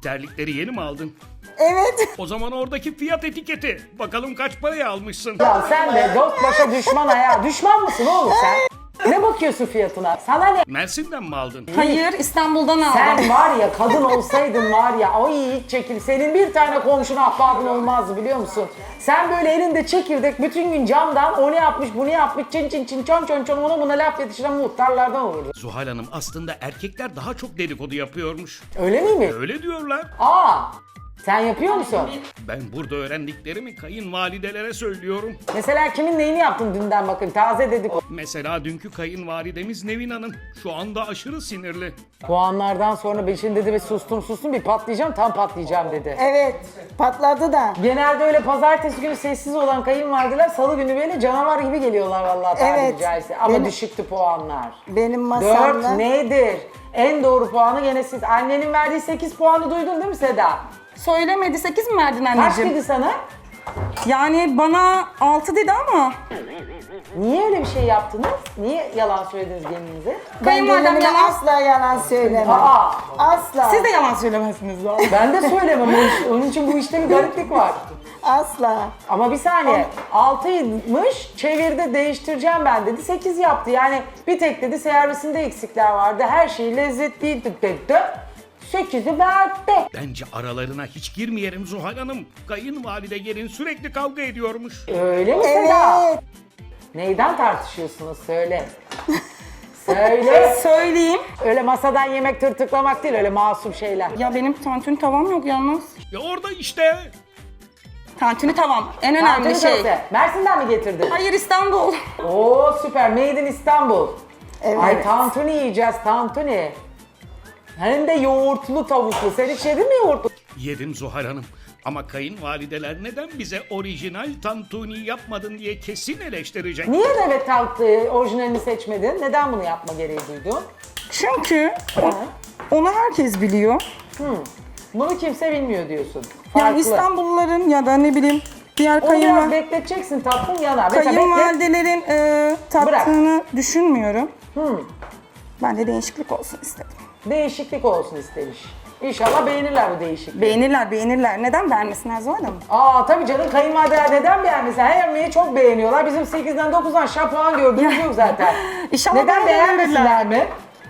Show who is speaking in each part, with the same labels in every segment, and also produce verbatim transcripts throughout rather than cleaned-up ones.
Speaker 1: Terlikleri yeni mi aldın?
Speaker 2: Evet.
Speaker 1: O zaman oradaki fiyat etiketi. Bakalım kaç paraya almışsın?
Speaker 3: Ya sen de dost başa düşman ayağa. Düşman mısın oğlum sen? Ne bakıyorsun fiyatına? Sana ne?
Speaker 1: Mersin'den mi aldın?
Speaker 4: Hayır, İstanbul'dan aldım.
Speaker 3: Sen var ya kadın olsaydın var ya ay hiç çekil. Senin bir tane komşun ahbabın olmazdı biliyor musun? Sen böyle elinde çekirdek bütün gün camdan o ne yapmış bu ne yapmış çin çin çin çon çon çon ona buna laf yetiştiren muhtarlardan olurdu.
Speaker 1: Zuhal Hanım aslında erkekler daha çok dedikodu yapıyormuş.
Speaker 3: Öyle miymiş?
Speaker 1: Öyle diyorlar.
Speaker 3: Aa sen yapıyor musun?
Speaker 1: Ben burada öğrendiklerimi kayınvalidelere söylüyorum.
Speaker 3: Mesela kimin neyini yaptın dünden bakayım taze dedik.
Speaker 1: Mesela dünkü kayınvalidemiz Nevin Hanım. Şu anda aşırı sinirli.
Speaker 3: Puanlardan sonra ben şimdi dedi ve sustum sustum bir patlayacağım tam patlayacağım dedi.
Speaker 2: Evet. Patladı da.
Speaker 3: Genelde öyle pazartesi günü sessiz olan kayınvalideler salı günü böyle canavar gibi geliyorlar vallahi tabiri
Speaker 2: Evet.
Speaker 3: caizse. Ama
Speaker 2: Benim-
Speaker 3: düşüktü puanlar.
Speaker 2: Benim masamda.
Speaker 3: Dört nedir? En doğru puanı gene siz. Annenin verdiği sekiz puanı duydun değil mi Seda?
Speaker 4: Söylemedi, sekiz mi verdin
Speaker 3: Kaç
Speaker 4: anneciğim?
Speaker 3: dedi sana?
Speaker 4: Yani bana altı dedi ama.
Speaker 3: Niye öyle bir şey yaptınız? Niye yalan söylediniz kendinize?
Speaker 2: Ben
Speaker 4: Kayınvalidem
Speaker 2: gelinime
Speaker 4: yalan.
Speaker 2: asla yalan söylemem.
Speaker 3: Aa,
Speaker 2: Asla.
Speaker 4: Siz de yalan söylemezsiniz zaten.
Speaker 3: ben de söylemem. Onun için- Onun için bu işte bir gariplik var.
Speaker 2: Asla.
Speaker 3: Ama bir saniye. altıymış, çevirde değiştireceğim ben dedi. sekiz yaptı. Yani bir tek dedi servisinde eksikler vardı. Her şey lezzetliydi dedi. sekizi verdi.
Speaker 1: Bence aralarına hiç girmeyelim Zuhal Hanım. Kayınvalide gelin sürekli kavga ediyormuş.
Speaker 3: Öyle mi Seda?
Speaker 2: Evet.
Speaker 3: Neyden tartışıyorsunuz? Söyle. Söyle.
Speaker 4: Söyleyeyim.
Speaker 3: Öyle masadan yemek tırtıklamak değil, öyle masum şeyler.
Speaker 4: Ya benim tantuni tavam yok yalnız.
Speaker 1: Ya orada işte.
Speaker 4: Tantuni tavam. En önemli
Speaker 3: Tantuni
Speaker 4: şey.
Speaker 3: köfte. Mersin'den mi getirdin?
Speaker 4: Hayır, İstanbul.
Speaker 3: Oo süper. Made in İstanbul.
Speaker 2: Evet.
Speaker 3: Ay tantuni yiyeceğiz, tantuni. Hem de yoğurtlu tavuklu. Sen hiç yedin mi yoğurtlu?
Speaker 1: Yedim Zuhal Hanım. Ama kayınvalideler neden bize orijinal tantuni yapmadın diye kesin eleştirecek.
Speaker 3: Niye evet tantuni orijinalini seçmedin? Neden bunu yapma gereği duydun?
Speaker 4: Çünkü onu herkes biliyor.
Speaker 3: Bunu kimse bilmiyor diyorsun.
Speaker 4: Yani
Speaker 3: Farklı.
Speaker 4: İstanbulluların ya da ne bileyim diğer
Speaker 3: Onu biraz
Speaker 4: kayınval
Speaker 3: bekleteceksin tatlım yanar. Mesela beklet.
Speaker 4: kayınvalidelerin e, tattığını düşünmüyorum. Ben de değişiklik olsun istedim.
Speaker 3: Değişiklik olsun istemiş. İnşallah beğenirler bu değişikliği.
Speaker 4: Beğenirler, beğenirler. Neden beğenmesinler Zuhal Hanım?
Speaker 3: Aa tabii canım kayınvalideler neden beğenmesin? Her yemeği çok beğeniyorlar. Bizim sekizden dokuzdan şap puan gördüğümüz yok zaten.
Speaker 4: İnşallah
Speaker 3: Neden
Speaker 4: bana da
Speaker 3: beğenmesinler
Speaker 4: verirler.
Speaker 3: mi?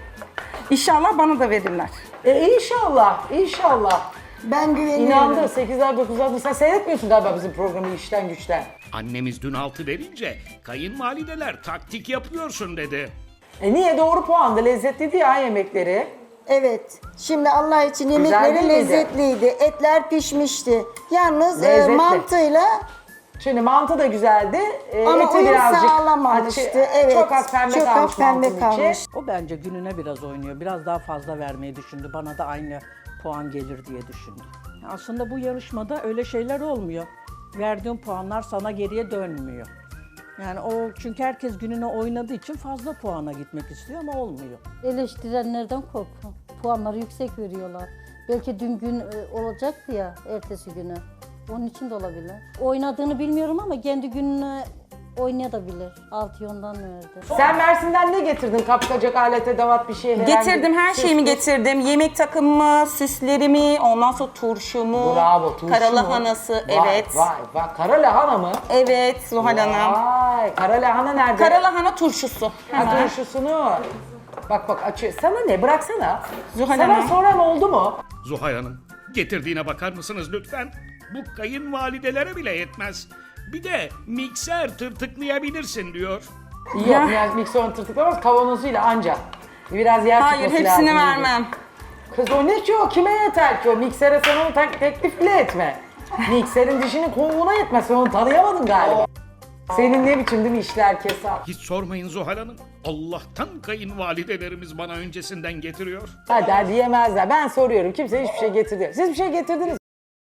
Speaker 4: İnşallah bana da verirler.
Speaker 3: E inşallah, inşallah.
Speaker 2: Ben güveniyorum.
Speaker 3: İnandı. sekizler dokuzlar sen seyretmiyorsun galiba bizim programı işten güçten.
Speaker 1: Annemiz dün altı verince kayınvalideler taktik yapıyorsun dedi.
Speaker 3: E niye doğru puanda lezzetliydi ya yemekleri.
Speaker 2: Evet. Şimdi Allah için
Speaker 3: değil
Speaker 2: yemekleri
Speaker 3: miydi?
Speaker 2: lezzetliydi. Etler pişmişti. Yalnız e,
Speaker 3: Lezzetli.
Speaker 2: mantıyla
Speaker 3: Şimdi mantı da güzeldi. E,
Speaker 2: ama
Speaker 3: eti
Speaker 2: uyum
Speaker 3: birazcık
Speaker 2: sağlamamıştı.
Speaker 3: açı-
Speaker 2: Evet.
Speaker 3: Çok az pembe
Speaker 2: çok
Speaker 3: kalmış
Speaker 2: az pembe
Speaker 3: mantının içi.
Speaker 2: kalmış.
Speaker 5: O bence gününe biraz oynuyor. Biraz daha fazla vermeyi düşündü. Bana da aynı puan gelir diye düşündü. Aslında bu yarışmada öyle şeyler olmuyor. Verdiğin puanlar sana geriye dönmüyor. Yani o çünkü herkes gününe oynadığı için fazla puana gitmek istiyor ama olmuyor.
Speaker 6: Eleştirenlerden korkun. Puanları yüksek veriyorlar. Belki dün gün e, olacaktı ya ertesi günü. Onun için de olabilir. Oynadığını bilmiyorum ama kendi gününe oynayabilir. Altı ondan verdi.
Speaker 3: Sen Mersin'den ne getirdin? Kapkacak, alet, edevat bir şey herhangi
Speaker 4: Getirdim, her
Speaker 3: süs
Speaker 4: şeyimi
Speaker 3: püs?
Speaker 4: getirdim. Yemek takımımı, süslerimi, ondan sonra turşumu,
Speaker 3: Bravo, turşu
Speaker 4: kara
Speaker 3: mu?
Speaker 4: lahanası,
Speaker 3: Vay,
Speaker 4: evet.
Speaker 3: Vay vay, kara lahana mı?
Speaker 4: Evet Zuhal Hanım.
Speaker 3: Vay, kara lahana nerede?
Speaker 4: Kara lahana turşusu.
Speaker 3: Ha,
Speaker 4: Hemen.
Speaker 3: turşusunu. Bak bak açıyor. Sana ne? Bıraksana.
Speaker 4: Zuhal
Speaker 3: Sana
Speaker 4: Hanım.
Speaker 3: soran oldu mu?
Speaker 1: Zuhal Hanım getirdiğine bakar mısınız lütfen? Bu kayınvalidelere bile yetmez. Bir de mikser tırtıklayabilirsin diyor.
Speaker 3: Yok,
Speaker 4: Ya.
Speaker 3: yani mikserin tırtıklamaz kavanozuyla anca. Biraz yer
Speaker 4: Hayır,
Speaker 3: tutması
Speaker 4: hepsini
Speaker 3: lazım.
Speaker 4: vermem.
Speaker 3: Kız o ne ki o? Kime yeter ki o? Miksere sen onu tak- teklif bile etme. Mikserin dişinin kovuğuna yetmez. Sen onu tanıyamadın galiba. Senin ne biçim değil mi işler kesar?
Speaker 1: Hiç sormayın Zuhal Hanım. Allah'tan kayınvalidelerimiz bana öncesinden getiriyor.
Speaker 3: Hadi hadi yemezler. Ben soruyorum. Kimse hiçbir şey getirdi. Siz bir şey getirdiniz mi?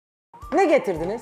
Speaker 3: Ne getirdiniz?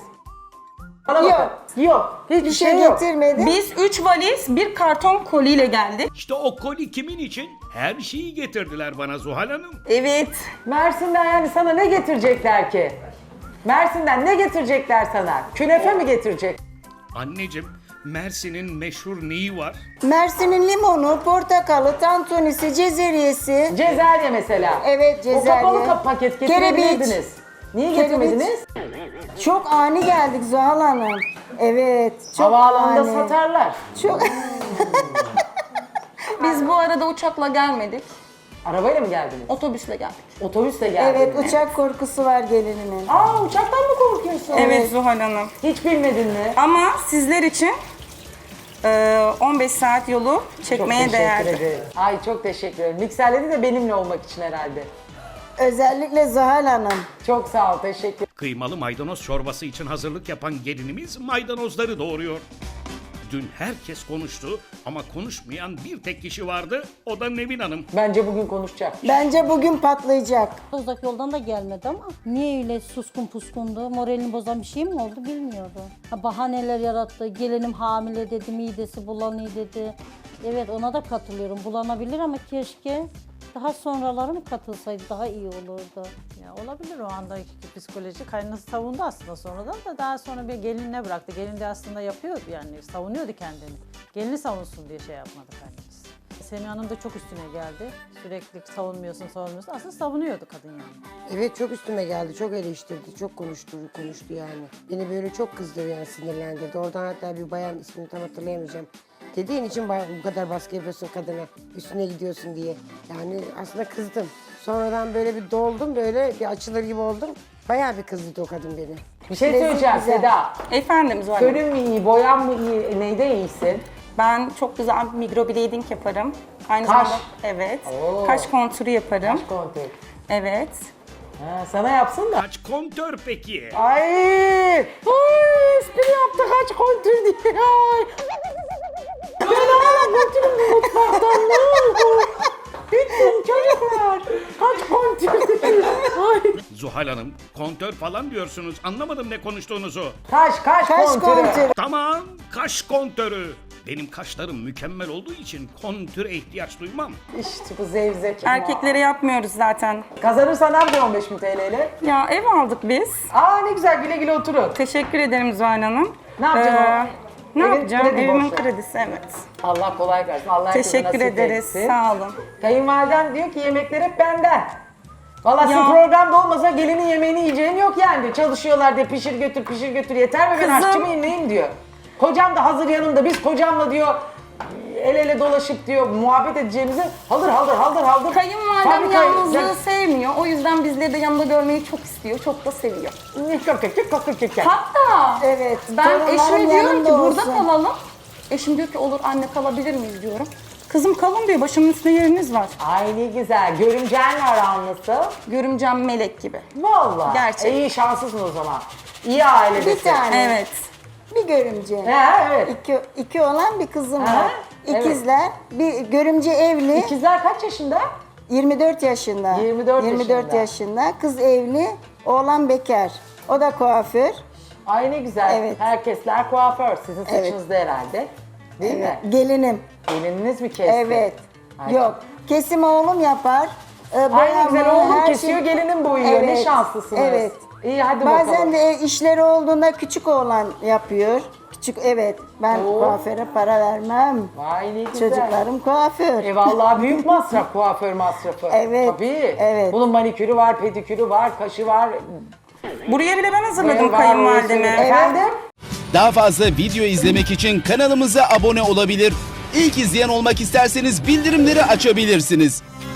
Speaker 3: Bana
Speaker 2: Yok.
Speaker 3: bakın. Yok. Hiçbir
Speaker 2: Bir
Speaker 3: şey,
Speaker 2: şey
Speaker 3: yok.
Speaker 2: getirmedim.
Speaker 4: Biz üç valiz, bir karton koliyle geldik.
Speaker 1: İşte o koli kimin için? Her şeyi getirdiler bana Zuhal Hanım.
Speaker 4: Evet.
Speaker 3: Mersin'den yani sana ne getirecekler ki? Mersin'den ne getirecekler sana? Künefe mi getirecek?
Speaker 1: Anneciğim, Mersin'in meşhur neyi var?
Speaker 2: Mersin'in limonu, portakalı, tantunisi, cezeriyesi.
Speaker 3: Cezerye mesela.
Speaker 2: Evet,
Speaker 3: O
Speaker 2: cezerye.
Speaker 3: kapalı kap paket
Speaker 2: Kerebiç.
Speaker 3: getirebilirdiniz. Niye
Speaker 2: Kereviç.
Speaker 3: getirmediniz?
Speaker 2: Çok ani geldik Zuhal Hanım. Evet. Çok
Speaker 3: Havaalanında
Speaker 2: ani.
Speaker 3: satarlar.
Speaker 2: Çok...
Speaker 4: Biz bu arada uçakla gelmedik.
Speaker 3: Arabayla mı geldiniz?
Speaker 4: Otobüsle geldik.
Speaker 3: Otobüsle geldiniz.
Speaker 2: evet, uçak korkusu var gelinimin.
Speaker 3: Aa, uçaktan mı korkuyorsun?
Speaker 4: Evet Zuhal Hanım.
Speaker 3: Hiç bilmedin mi?
Speaker 4: Ama sizler için e, on beş saat yolu
Speaker 3: Çok
Speaker 4: çekmeye
Speaker 3: teşekkür
Speaker 4: değerdi.
Speaker 3: ederim. Ay çok teşekkür ederim. Mikserledi de benimle olmak için herhalde.
Speaker 2: Özellikle Zuhal Hanım.
Speaker 3: Çok sağ ol, teşekkür.
Speaker 1: Kıymalı maydanoz çorbası için hazırlık yapan gelinimiz maydanozları doğuruyor. Dün herkes konuştu ama konuşmayan bir tek kişi vardı, o da Nevin Hanım.
Speaker 3: Bence bugün konuşacak.
Speaker 2: Bence bugün patlayacak.
Speaker 6: Uzak yoldan da gelmedi ama niye öyle suskun puskundu? Moralini bozan bir şey mi oldu bilmiyorum. Ha, bahaneler yarattı. Gelinim hamile dedi, midesi bulanıyor dedi. Evet, ona da katılıyorum. Bulanabilir ama keşke daha sonraları mı katılsaydı daha iyi olurdu.
Speaker 7: Ya olabilir o andaki psikoloji. Kaynanası savundu aslında sonradan da daha sonra bir gelinine bıraktı. Gelin de aslında yapıyordu yani savunuyordu kendini. Gelini savunsun diye şey yapmadı kaynanası. Semih Hanım da çok üstüne geldi. Sürekli savunmuyorsun savunmuyorsun. Aslında savunuyordu kadın yani.
Speaker 8: Evet çok üstüme geldi, çok eleştirdi, çok konuştu, konuştu yani. Beni böyle çok kızdırdı yani sinirlendirdi. Oradan hatta bir bayan ismini tam hatırlayamayacağım. Dediğin için bayağı bu kadar baskı yapıyorsun kadına, üstüne gidiyorsun diye. Yani aslında kızdım. Sonradan böyle bir doldum, böyle bir açılır gibi oldum. Bayağı bir kızdı o kadın beni.
Speaker 3: Bir şey söyleyeceğim Seda.
Speaker 4: Efendim Zuhal Hanım.
Speaker 3: Fönün mü iyi, boyan mı iyi, neyde iyisin?
Speaker 4: Ben çok güzel bir microblading yaparım. Aynı
Speaker 3: Kaş.
Speaker 4: zamanda evet.
Speaker 3: Oo.
Speaker 4: Kaş kontürü yaparım.
Speaker 3: Kaş kontür.
Speaker 4: Evet.
Speaker 3: Ha, sana yapsın da.
Speaker 1: Kaç kontör peki?
Speaker 3: Ay, ay espri yaptı kaç kontür diye. Ay. Ben ona götürün bu mutfaktan ne olur. Lütfen çocuklar. Kaç kontür diye. Ay.
Speaker 1: Zuhal Hanım, kontör falan diyorsunuz. Anlamadım ne konuştuğunuzu.
Speaker 3: Kaş kaş,
Speaker 2: Kaş
Speaker 3: kontürü.
Speaker 2: kontürü.
Speaker 1: Tamam, kaş kontörü. Benim kaşlarım mükemmel olduğu için kontüre ihtiyaç duymam.
Speaker 3: İşte bu zevzek.
Speaker 4: Erkeklere yapmıyoruz zaten.
Speaker 3: Kazanırsan ne yapacaksın on beş bin T L ile?
Speaker 4: Ya ev aldık biz.
Speaker 3: Aa ne güzel, güle güle oturun.
Speaker 4: Teşekkür ederim Zuhal Hanım.
Speaker 3: Ne yapacaksın o?
Speaker 4: Ne
Speaker 3: Evin
Speaker 4: yapacağım?
Speaker 3: kredi
Speaker 4: Evimin
Speaker 3: borçları.
Speaker 4: kredisi evet.
Speaker 3: Allah kolay versin. Allah herkese
Speaker 4: Teşekkür
Speaker 3: nasip
Speaker 4: ederiz.
Speaker 3: etsin.
Speaker 4: Sağ olun.
Speaker 3: Kayınvaliden diyor ki yemekler hep benden. Valla sizin
Speaker 4: Ya.
Speaker 3: programda olmasa gelinin yemeğini yiyeceğim yok yani diyor. Çalışıyorlar diye pişir götür pişir götür yeter mi ben
Speaker 4: Kızım.
Speaker 3: aşçı mıyım neyim diyor. Kocam da hazır yanımda, biz kocamla diyor el ele dolaşıp diyor muhabbet edeceğimizi haldır haldır haldır haldır.
Speaker 4: Kayınvalidem
Speaker 3: Fabrika-
Speaker 4: yalnızlığı sevmiyor. O yüzden bizleri de yanında görmeyi çok istiyor. Çok da seviyor.
Speaker 3: Sen-
Speaker 4: Hatta
Speaker 2: Evet.
Speaker 4: ben
Speaker 2: torunlarım
Speaker 4: eşime diyorum
Speaker 2: yanımda
Speaker 4: ki burada
Speaker 2: olsun.
Speaker 4: kalalım. Eşim diyor ki olur anne kalabilir miyiz diyorum. Kızım kalın diyor başımın üstünde yeriniz var.
Speaker 3: Ay ne güzel. Görümcenle aran nasıl?
Speaker 4: Görümcem melek gibi.
Speaker 3: Valla.
Speaker 4: Gerçek.
Speaker 3: E, iyi şanslısın o zaman. İyi ailedesin.
Speaker 2: Bir tane.
Speaker 4: Evet.
Speaker 2: Bir görümce.
Speaker 3: He evet.
Speaker 2: İki, iki olan bir kızım
Speaker 3: Ha,
Speaker 2: var.
Speaker 3: evet.
Speaker 2: İkizler. Bir görümce evli.
Speaker 3: İkizler kaç yaşında?
Speaker 2: yirmi dört yaşında.
Speaker 3: yirmi dört
Speaker 2: yirmi dört
Speaker 3: yaşında.
Speaker 2: yaşında. Kız evli. Oğlan bekar. O da kuaför.
Speaker 3: Ay ne güzel.
Speaker 2: Evet.
Speaker 3: Herkesler kuaför. Sizin
Speaker 2: Evet.
Speaker 3: saçınızda herhalde. Değil mi?
Speaker 2: Gelinim.
Speaker 3: Gelininiz mi kesti?
Speaker 2: Evet.
Speaker 3: Ay.
Speaker 2: Yok. Kesim oğlum yapar. Ee,
Speaker 3: Ay ne
Speaker 2: boyama,
Speaker 3: güzel, oğlum
Speaker 2: her
Speaker 3: kesiyor,
Speaker 2: şey-
Speaker 3: gelinin boyuyor. Ne
Speaker 2: Evet,
Speaker 3: şanslısınız.
Speaker 2: Evet.
Speaker 3: İyi hadi
Speaker 2: Bazen
Speaker 3: bakalım.
Speaker 2: de ev işleri olduğunda küçük oğlan yapıyor. Küçük evet. Ben
Speaker 3: Oo.
Speaker 2: kuaföre para vermem.
Speaker 3: Vay ne güzel.
Speaker 2: Çocuklarım kuaför.
Speaker 3: E vallahi büyük masraf kuaför masrafı.
Speaker 2: Evet,
Speaker 3: Tabii.
Speaker 2: evet.
Speaker 3: Bunun manikürü var, pedikürü var, kaşı var.
Speaker 4: Buraya bile ben hazırladım
Speaker 3: var,
Speaker 4: kayınvalideme.
Speaker 3: orası- Efendim?
Speaker 9: Daha fazla video izlemek için kanalımıza abone olabilir. İlk izleyen olmak isterseniz bildirimleri açabilirsiniz.